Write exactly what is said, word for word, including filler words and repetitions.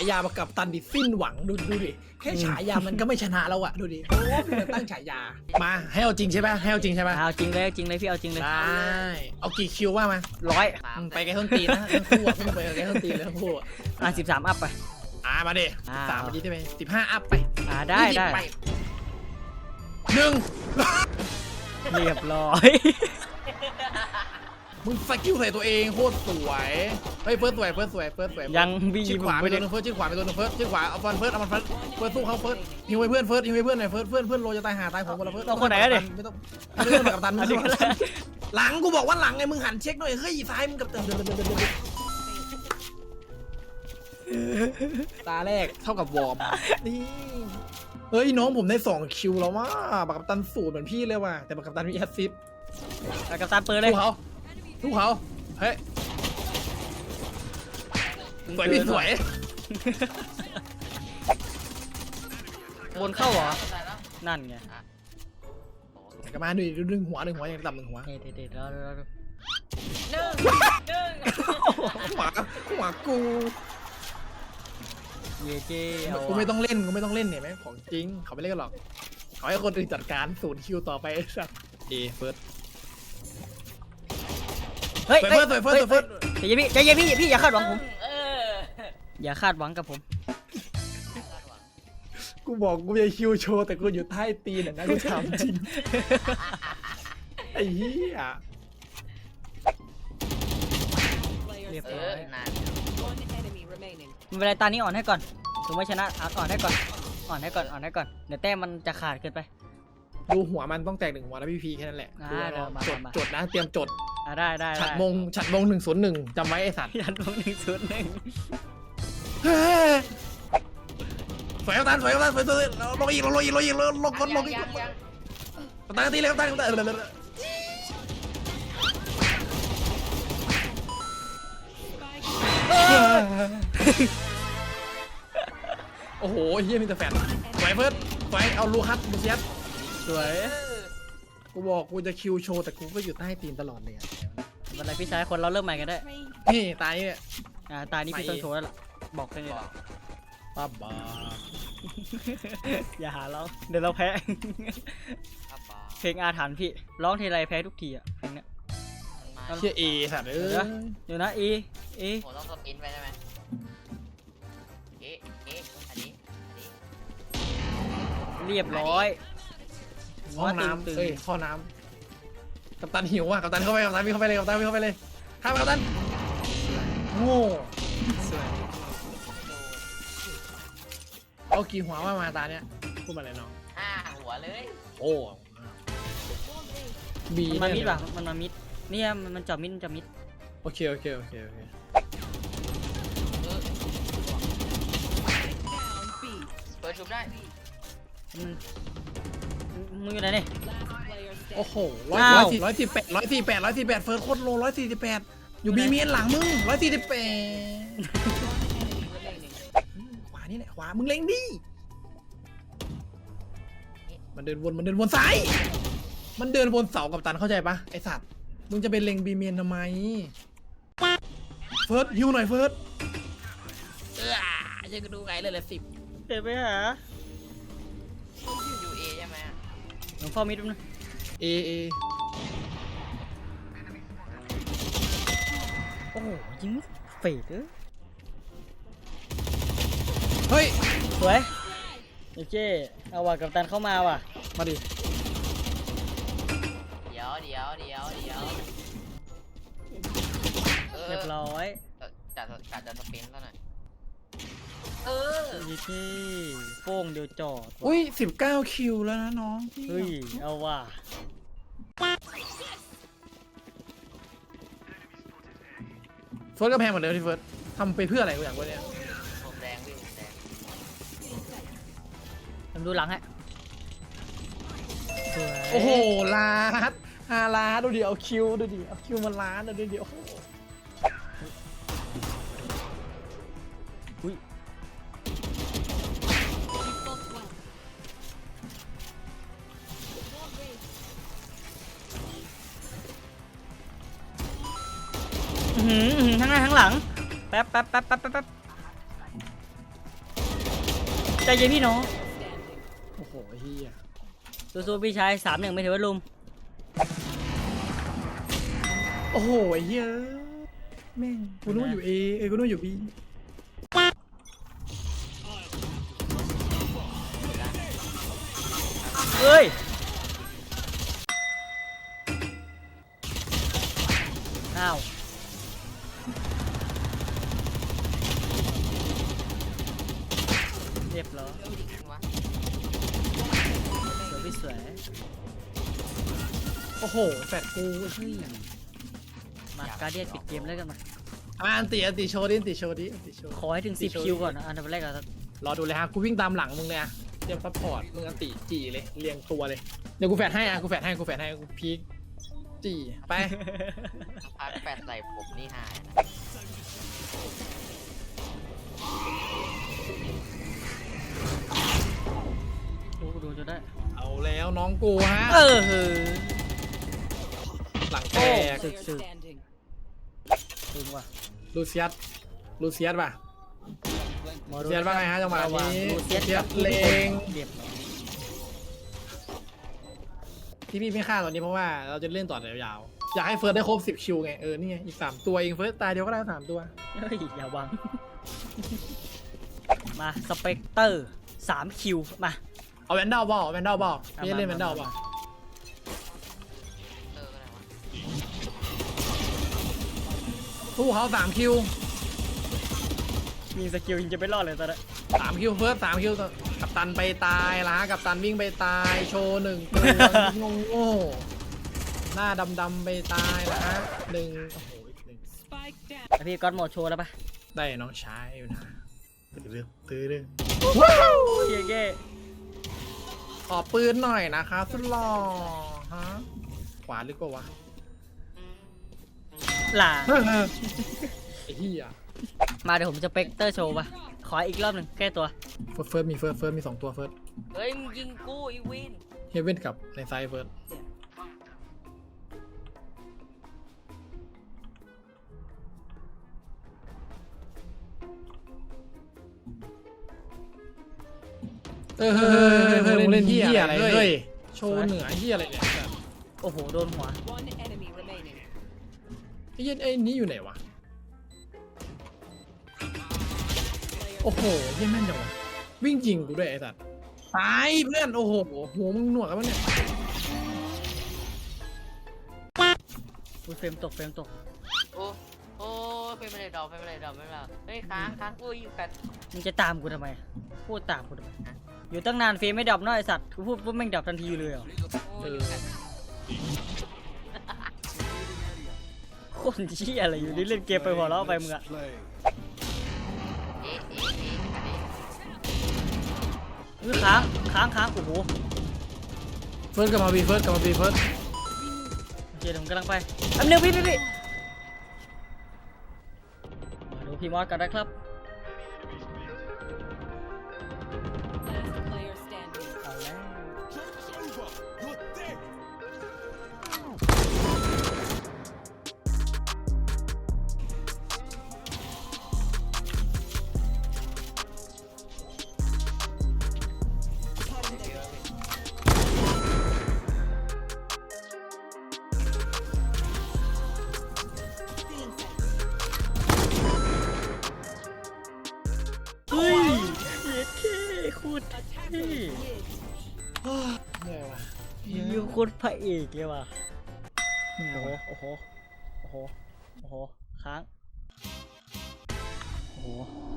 ายามากับตันดิสิ้นหวังดูดูดิแค่ฉายามันก็ไม่ชนะแล้วอะดูดิโอ้พี่มันตั้งฉายามาให้เอาจริงใช่ไหมให้เอาจริงใช่ไหมเอาจริงเลยจริงเลยพี่เอาจริงเลยได้เอากี่คิวว่ามาร้อยไปไกลต้นตีนนะทั้งคู่อะไปไกลต้นตีนเลยทั้งคู่อะอ่ะสิบสามอัพไปอ่ามาดิอ่าสามวันนี้ได้ไหมสิบห้าอัพไปอ่าได้ยี่สิบได้ปหนึ่งเรียบร้อยมึงสกิลใส่ตัวเองโคตรสวยเฮ้ยเฟิร์สสวยเฟิร์สสวยเฟิร์สสวยยังบีชิดขวาไปไม่ตัได้วนึงเฟิร์สชิดขวาไปตัวนึงเฟิร์สชิดขวาเอาฟันเฟิร์สเอามันเฟิร์สเฟิร์สสู้เขาเฟิร์สฮิวให้เพื่อนเฟิร์สฮิวให้เพื่อนหน่อยเฟิร์สเพื่อนเพื่อนโลจะตายหาตายผมหมดแล้วเฟิร์สต้องคนไหนอะดิไม่ต้องไม่ต้องกับตันไม่ต้องกับตันหลังกูบอกว่าหลังไงมึงหันเช็คหน่อยเฮ้ยซ้ายมึงกับตันตาแรกเท่ากับวอร์มนี่เฮ้ยน้องผมได้สองคิวแล้วว่าบักกัปตันสูตรเหมือนพี่เลยว่ะแต่บักกัปตันมีแอสซิสต์เอากับตามเปิดเลยสู้เขาสู้เขาเฮ้ยสวยพี่สวยบนเข้าเหรอนั่นไงกลับมาดูดึงหัวดึงหัวอย่างต่ำหนึ่งหัวเด็ดเด็ดแล้วแล้วหนึ่งหนึ่งหัวหัวกูเย่เจ้เอากูไม่ต้องเล่นกูไม่ต้องเล่นเนี่ยแม่งของจริงเขาไม่เล่นกันหรอกเขาให้คนอื่นจัดการศูนย์คิวต่อไปไอ้สัสเอเฟิร์สเฮ้ยสวยเฟิร์สสวยเฟิร์สสวยเฟิร์สใจเย็นพี่ใจเย็นพี่พี่อย่าคาดหวังผมเอออย่าคาดหวังกับผมกูบอกกูจะคิวโชว์แต่กูอยู่ใต้ตีนอ่ะนะกูถามจริงไอ้เหี้ยเรียบเอร้ออย นานมันเป็นไรตานี้อ่อนให้ก่อนถึงไม่ชนะอ่อนให้ก่อนอ่อนให้ก่อนอ่อนให้ก่อนเดี๋ยวแต้มมันจะขาดเกินไปดูหัวมันต้องแตกหนึ่งหัวแล้วพี่พีแค่นั้นแหละอ่าดูเดี๋ยวมาจดมาจดนะเตรียมจดอ่ะได้ได้ฉัดมงฉัดมงหนึ่งศูนย์หนึ่งจำไว้ไอ้สัตว์ยันลงหนึ่งศูนย์หนึ่งสวยกัปตันสวยกัปตันสวยสวยลงอีกลงอีกลงอีกลงลงกดลงอีกยังยังกัปตันตีเลยกัปตันกัปตันโอ้โหเฮียมีแต่แฟนสวยเฟิร์สสวยเอาลูคัสมูเซียสสวยกูบอกกูจะคิวโชว์แต่กูก็อยู่ใต้ตีนตลอดเลยอะวันไหนพี่ชายคนเราเริ่มใหม่กันได้นี่ตายเนี่ยอ่าตานี้พี่ต้นโชว์แล้วล่ะบอกแค่นี้บแหอละกป้าบ้าอย่าหาเราเดี๋ยวเราแพ้ครับบอเพลงอาถรรพ์พี่ร้องทีไรแพ้ทุกทีอ่ะเพลงเนี้ยกมันมาเชี่ยเอสัตว์เอ้ยเดี๋ยวนะอีอีผมต้องสปินไปได้ไหมเอ๊ะเอ๊ะอันนี้อันนี้เรียบร้อยห้องน้ำเอ้ยห้องน้ำกัปตันหิวว่ะกัปตันเข้าไปกัปตันวิ่งเข้าไปเลยกัปตันวิ่งเข้าไปเลยข้ามไปกัปตันโง่เอากี่หัวว่ามาตาเนี้ยพูดมาเลยน้องห้าหัวเลยโอ้บีมันมามิดป่ะมันมามิดเนี่ยมันมันจับมิดมันจับมิดโอเคโอเคโอเคโอเคเออเปิดชุบได้มันมึงอยู่ไหนเนี่ยโอ้โหร้อยอ้าวสี่ร้อยสี่แปดร้อยสี่แปดร้อยสี่แปดเฟิร์สโคตรโลร้อยสี่สิบแปดอยู่บีเมียนหลังมึงร้อยสี่สิบแปดขวานี่แหละขวามึงเล็งดิมันเดินวนมันเดินวนซ้ายมันเดินวนเสากับตันเข้าใจปะไอสัตว์มึงจะเป็นเล็งบีเมียนทำไมเฟิร์สฮิวหน่อยเฟิร์สเออยังก็ดูไงเลยละสิบเดี๋ยวไปหายูเอใช่ไหมอะหลวงพ่อมิดนะเอเอโอ้โหยิงเฟดเออเฮ้ยสวยโอเคเอาว่ะกัปตันเข้ามาว่ะมาดิเดี๋ยวเดี๋ยวเดี๋ยวเดี๋ยวเออเรียบร้อยเออจัดจัดจัดสปินซะหน่อยเออยี่ที่โป้งเดียวจอดว่ะอุ้ยสิบเก้าคิวแล้วนะน้องเฮ้ยเอาว่ะเฟิร์สก็แพงเหมือนเดิมที่เฟิร์สทำไปเพื่ออะไรกูอยากรู้เนี่ยผมแดงพี่ผมแดงผมดูหลังฮะสวยโอ้โหล้านห้าล้านดูดิเอาคิวดูดิเอาคิวมาล้านดูดิโอ้โหอุ้ยอื้อหืออื้อหือทั้งหน้าทั้งหลังแป๊บแป๊บแป๊บแป๊บแป๊บแป๊บใจเย็นพี่น้องโอ้โหเฮียสู้ๆพี่ชายสามหนึ่งไม่ถือว่าลุมโอ้โหเฮียแม่งกูนึกว่าอยู่เอเออกูนึกว่าอยู่บีเฮ้ยอ้าวเรียบร้อยจริงวะสวยพี่สวยโอ้โหแฟดกูเฮ้ยมาการเดียนปิดเกมแล้วกันมาอ่ะอันติอันติโชว์ดิอันติโชว์ดิอันติโชว์ขอให้ถึงสิบคิวก่อนนะอันดับแรกอะรอดูเลยฮะกูวิ่งตามหลังมึงเลยอะเตรียมซัพพอร์ตมึงอันติจีเลยเรียงตัวเลยเดี๋ยวกูแฟดให้อ่ะกูแฟดให้กูแฟดให้กูพีคจีไปพักแปดใส่ผมนี่หายนะดูดูจะได้เอาแล้วน้องกูฮะเออเฮ้ยหลังแตกสึกสึกตึงว่ะลูเซียสลูเซียสป่ะหมอลูเซียสว่าไงฮะจังหวะนี้ลูเซียสลูเซียสเลงเรียบร้อยที่พี่ไม่ฆ่าตอนนี้เพราะว่าเราจะเล่นต่อยาวๆอยากให้เฟิร์สได้ครบสิบคิวไงเออนี่ไงอีกสามตัวเองเฟิร์สตายเดียวก็ได้สามตัวเฮ้ยอย่าหวัง มาสเปกเตอร์สามคิวมาเอาแวนดอลบอลแวนดอลบอลเอาพี่มาเล่นแวนดอลมาบอลเอออะไรวะสู้เขาสามคิวมีสกิลยิงจะไม่รอดเลยตอนนี้สามคิวเฟิร์สสามคิวกับตันไปตายละกับตันวิ่งไปตายโชว์หนึ่งตัวงงโง่หน้าดำๆไปตายละฮะหนึ่งโอ้โหอีกหนึ่งแล้วพี่ก๊อตโหมดโชว์แล้วปะได้น้องชายอยู่นะตื้อเรื่องตื้อเรื่องเย้เย้ขอปืนหน่อยนะครับสุดหล่อฮะขวาลึกกว่าวะหล่าไอ้เหี้ยมาเดี๋ยวผมจะสเปกเตอร์โชว์ปะขออีกรอบหนึ่งแก้ตัวเฟิร์สเฟิร์สมีเฟิร์สเฟิร์สมีสองตัวเฟิร์สเฮ้ยมึงยิงกูอีวินเฮเว่นกับในไซด์เฟิร์สเออเฮ้ยเฮ้ยเล่นเหี้ยอะไรเฮ้ยโชว์เหนือเหี้ยอะไรเนี่ยโอ้โหโดนหัว One enemy remaining. ไอ้เหี้ยไอ้นี่อยู่ไหนวะโอ้โหเหี้ยแม่นจังวะวิ่งจริงกูด้วยไอ้สัตว์ตายเพื่อนโอ้โหหัวมึงหนวกกันปะเนี่ยอุ้ยเฟรมตกเฟรมตกโอ้โอ้เป็นไม่ได้ดอกเป็นไม่ได้ดอกไม่เป็นไรเฮ้ยค้างค้างกูอยู่กันมึงจะตามกูทำไมพูดตามกูทำไมอยู่ตั้งนานเฟรมไม่ดับเน้อยไอสัตว์กูพูดปุ๊บแม่งดับทันทีเลยเหรอโอ้อยู่กันโคตรเชี่ยอะไรอยู่นี่เล่นเกมไปหัวเราะไปมึงอะเอ๊ะเอ๊ะเอ๊ะอันนี้อุ้ยค้างค้างค้างโอ้โหเฟิร์สกลับมาบีเฟิร์สกลับมาบีเฟิร์สโอเคเดี๋ยวผมกำลังไปอันนึงพี่พี่พี่มาดูพี่มอสกันนะครับ Last player standing. เอาแล้วเฮ้ยเย็ดเท่โคตรเท่เหนื่อยวะยิวโคตรพระเอกเลยว่ะเหนื่อยโอ้โหวะโอ้โห โอ้โห โอ้โห ค้าง โอ้โห